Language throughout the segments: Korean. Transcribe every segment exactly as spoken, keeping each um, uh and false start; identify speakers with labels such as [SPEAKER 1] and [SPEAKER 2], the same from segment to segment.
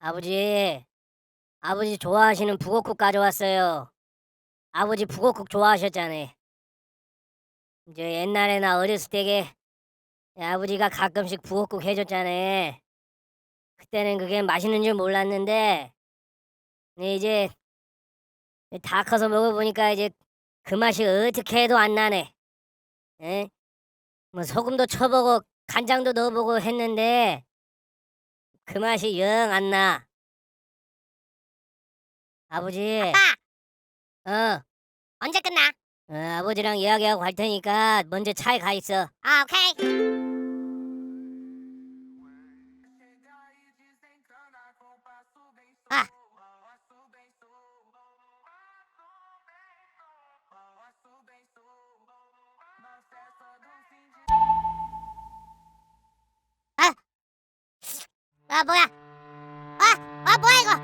[SPEAKER 1] 아버지, 아버지 좋아하시는 북어국 가져왔어요. 아버지 북어국 좋아하셨잖아요. 이제 옛날에 나 어렸을 때게 아버지가 가끔씩 북어국 해줬잖아요. 그때는 그게 맛있는 줄 몰랐는데 근데 이제 다 커서 먹어보니까 이제 그 맛이 어떻게 해도 안 나네. 에? 뭐 소금도 쳐보고 간장도 넣어보고 했는데 그 맛이 영 안 나. 아버지,
[SPEAKER 2] 아빠,
[SPEAKER 1] 어,
[SPEAKER 2] 언제 끝나?
[SPEAKER 1] 어, 아버지랑 이야기하고 갈 테니까 먼저 차에 가 있어.
[SPEAKER 2] 아, 오케이. 아, 아, 아, 뭐야? 아, 아, 뭐야 이거?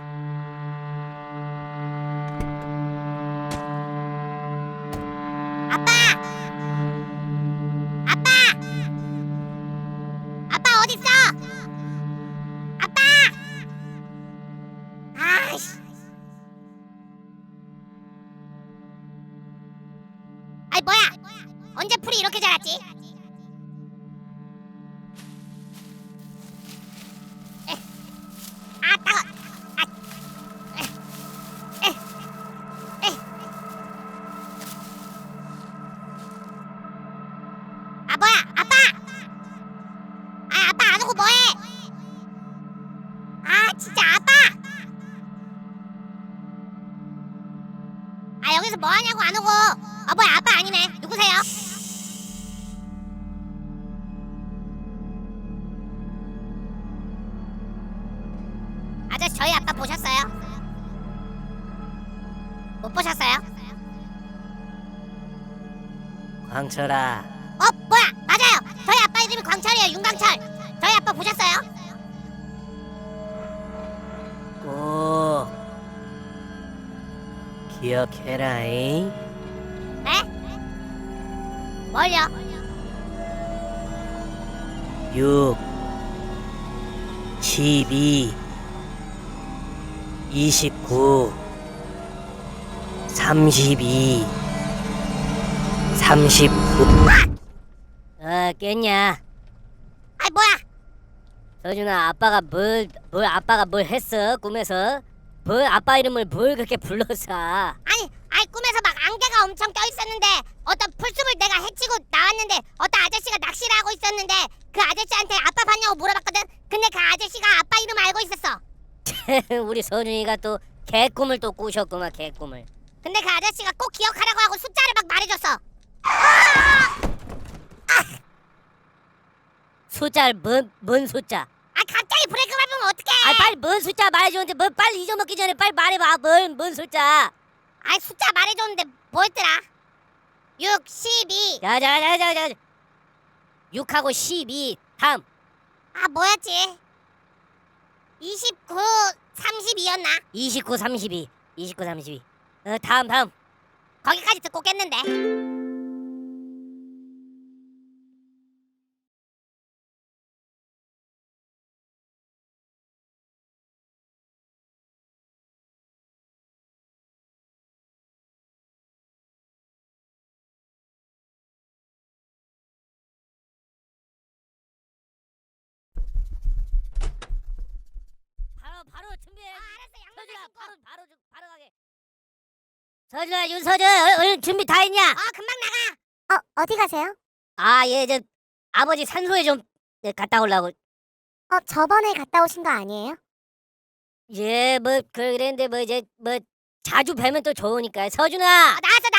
[SPEAKER 2] 아빠, 아빠, 아빠 어디 있어? 아빠, 아이씨, 아이 뭐야? 언제 풀이 이렇게 자랐지? 에, 아, 따가, 아, 에, 에, 에. 아 뭐야? 아빠, 아 아빠 안 오고 뭐해? 아 진짜 아빠, 아 여기서 뭐 하냐고 안 오고? 아 뭐야 아빠 아니네? 누구세요? 아저씨 저희 아빠 보셨어요? 못 보셨어요?
[SPEAKER 1] 광철아,
[SPEAKER 2] 어 뭐야 맞아요 저희 아빠 이름이 광철이에요. 윤광철. 저희 아빠 보셨어요?
[SPEAKER 1] 꼭 기억해라잉.
[SPEAKER 2] 네? 뭘요?
[SPEAKER 1] 육, 십이, 이십구, 삼십이, 삼십구. 어, 깼냐?
[SPEAKER 2] 아이 뭐야?
[SPEAKER 1] 서준아, 아빠가 뭘, 뭘 아빠가 뭘 했어? 꿈에서? 뭘 아빠 이름을 뭘 그렇게 불렀어?
[SPEAKER 2] 아니 아이 꿈에서 막 안개가 엄청 껴 있었는데 어떤 풀숲을 내가 헤치고 나왔는데 어떤 아저씨가 낚시를 하고 있었는데 그 아저씨한테 아빠 봤냐고 물어봤거든. 근데 그 아저씨가 아빠 이름 알고 있었어.
[SPEAKER 1] 우리 서준이가 또 개꿈을 또 꾸셨구만, 개꿈을.
[SPEAKER 2] 근데 그 아저씨가 꼭 기억하라고 하고 숫자를 막 말해줬어.
[SPEAKER 1] 숫자를 뭔, 뭔 숫자?
[SPEAKER 2] 아 갑자기 브레이크 밟으면 어떡해?
[SPEAKER 1] 아, 빨리 뭔 숫자 말해주는데 뭘 빨리 잊어먹기 전에 빨리 말해봐. 뭔, 뭔 숫자?
[SPEAKER 2] 아이 숫자 말해줬는데 뭐였더라? 육, 십이.
[SPEAKER 1] 자자자자자. 육하고 십이. 다음.
[SPEAKER 2] 아 뭐였지? 이십구, 삼십이였나?
[SPEAKER 1] 이십구, 삼십이. 이십구, 삼십이. 어, 다음, 다음.
[SPEAKER 2] 거기까지 듣고 깼는데.
[SPEAKER 1] 바로, 바로 준비해.
[SPEAKER 2] 아, 알았어. 양말
[SPEAKER 1] 서준아,
[SPEAKER 2] 신고.
[SPEAKER 1] 바로, 바로, 좀- 바로 가게. 서준아, 윤서준, 얼- 얼른 준비 다 했냐?
[SPEAKER 2] 어 금방 나가. 어 어디 가세요?
[SPEAKER 1] 아, 얘, 저, 아버지 산소에 좀 네, 갔다 오려고.
[SPEAKER 2] 어 저번에 갔다 오신 거 아니에요?
[SPEAKER 1] 예, 뭐, 그랬는데, 뭐, 이제, 뭐, 자주 뵈면 또 좋으니까. 서준아!
[SPEAKER 2] 어, 나왔어